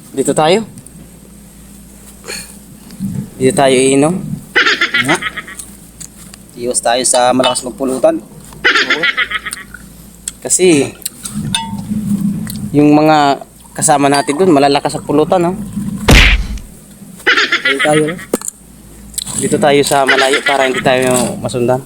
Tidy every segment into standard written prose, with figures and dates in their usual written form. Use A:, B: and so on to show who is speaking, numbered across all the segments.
A: Dito tayo. Dito tayo iinom.
B: Nga. Iwas tayo sa malakas magpulutan.
A: Kasi yung mga kasama natin dun malalakas sa pulutan, ha?
B: Ayun tayo, no?
A: Dito tayo sa malayo para hindi tayo masundan.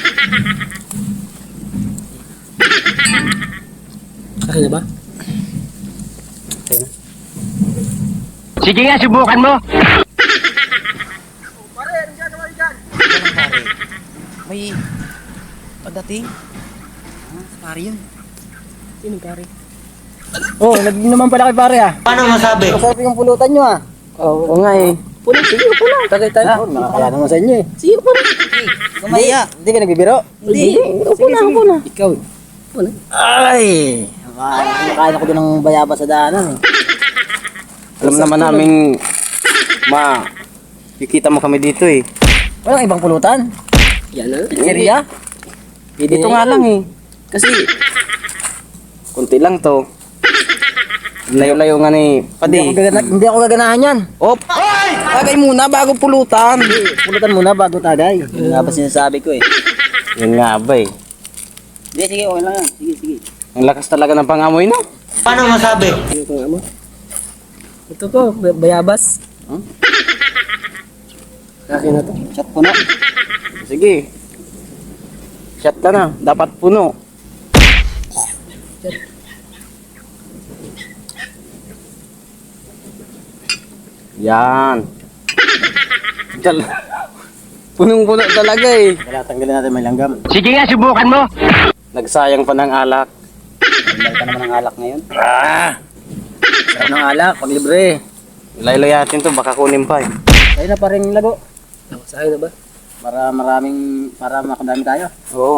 B: Akin na ba?
A: Okay na.
C: Sige nga, subukan mo.
A: May pagdating.
B: Pare yun.
A: Sino pare?
B: Oh, naging naman pala kay pare ah.
C: Paano masabi?
B: Masarap yung pulutan nyo ah.
A: Oo nga eh.
B: Puno, sige, puno. Tagay tayo. Nakakaya naman sa inyo eh.
A: Sige po na.
B: Kumaya. Hindi ka nagbibiro?
A: Hindi. Upo na, upo na.
B: Ikaw eh. Puno. Ay! Nakain ako din ng bayaba sa daanan eh.
A: Alam naman namin kikita mo kami dito eh.
B: Walang ibang pulutan.
A: Yan na.
B: Pizzeria?
A: Dito nga lang eh. Kasi kunti lang to. Layo-layo nga ni Padi.
B: Hindi ako gaganahan yan.
A: Op! Tagay muna bago pulutan.
B: Pulutan muna bago tagay. Yun nga ba sinasabi ko eh.
A: Yun nga ba eh.
B: Hindi, sige, okay lang yan. Sige, sige.
A: Ang lakas talaga ng pangamoy no?
C: Paano masabi?
B: Sige ko nga mo. Ito ko, bayabas.
A: Huh?
B: Akin na to. Chat po na.
A: Sige. Shot ka na. Dapat puno. Yan. Punong-puno talaga eh.
B: Kaya tanggalin natin may langgam.
C: Sige nga, subukan mo.
A: Nagsayang pa ng alak.
B: Tanggal ka naman ng alak ngayon.
A: Ah!
B: Sarap ng alak, pag libre.
A: Laylayatin to, baka kunin pa eh.
B: Sa'yo na pa rin lago.
A: Sa'yo na ba?
B: Para makadami tayo.
A: Oo.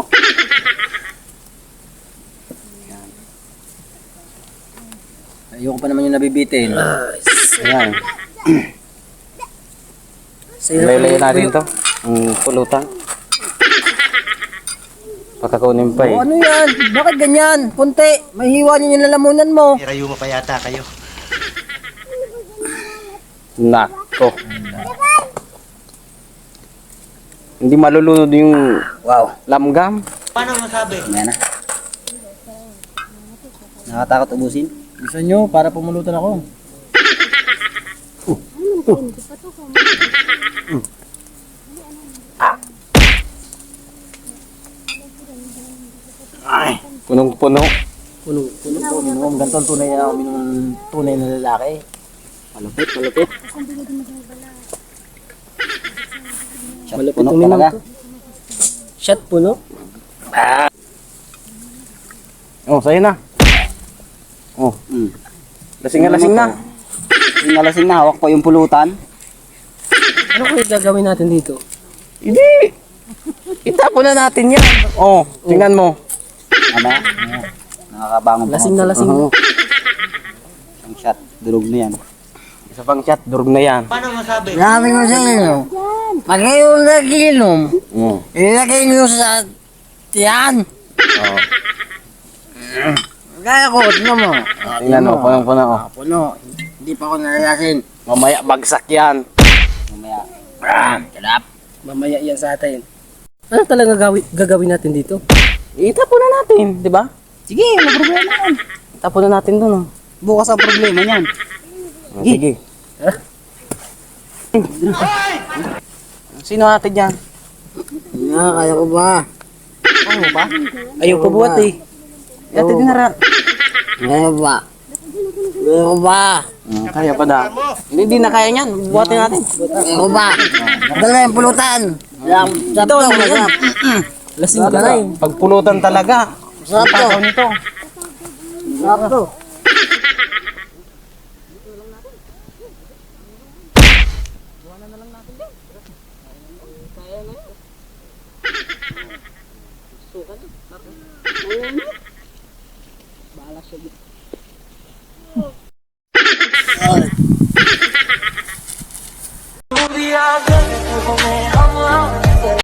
B: Ayoko pa naman yung nabibitin.
A: Ayan. Laylayan natin to. Ang pulutan. Baka kunin pa eh.
B: Oh, ano yan? Bakit ganyan? Kunti. Mahiwa niyo yung lalamunan mo.
C: Irayo mo pa yata kayo.
A: Nako. Hindi malulunod yung
B: Wow.
A: lamgam.
C: Paano masabi?
B: Ayan na. Nakatakot ubusin. Gusto nyo para pumulutan ako.
A: Ay, punong-puno.
B: Puno po, minum. Ganito ang tunay na lalaki.
A: Malupit, malupit.
B: Shot puno talaga. Shot puno?
A: Oh, sa'yo na. Oh, lasing na, lasing na.
B: Lasing na, hawak ko yung pulutan.
A: Ano kaya gagawin natin dito? Hindi. Itapon na natin yan. Oh, tingnan mo.
B: Ano? Nakakabangon pa.
A: Lasing na, lasing na.
B: Ang shot, durog na yan.
A: Isa pang shot, durog na yan.
C: Paano masabi?
B: Sabi ko sa inyo, pag kayo naginom,
A: Oh.
B: ilagay nyo sa tiyan.
A: Oh.
B: Kaya ko, tignan mo.
A: Tingnan mo, punong-puno. Oh.
B: Puno. Hindi pa ako nalalasin.
A: Mamaya bagsak yan.
B: Mamaya. Kalap.
A: Mamaya yan sa atin. Ano talaga gagawin natin dito? Itapon na natin, di ba?
B: Sige, wala problema yan.
A: Itapon na natin dun, oh.
B: Bukas ang problema niyan.
A: Sige. Sino natin yan?
B: Kaya ko ba?
A: Ano ba? Ayaw pa buhat eh. Dati din nara.
B: Kaya ba? Kaya ko ba?
A: Kaya pa da. Hindi na kaya niyan. Buhatin natin.
B: Kaya ko ba? Dala yung pulutan. Sarap to, masarap.
A: Lasing ka na eh. Pagpulutan talaga.
B: Sarap to.
A: Pakaw nito.
B: Sarap to.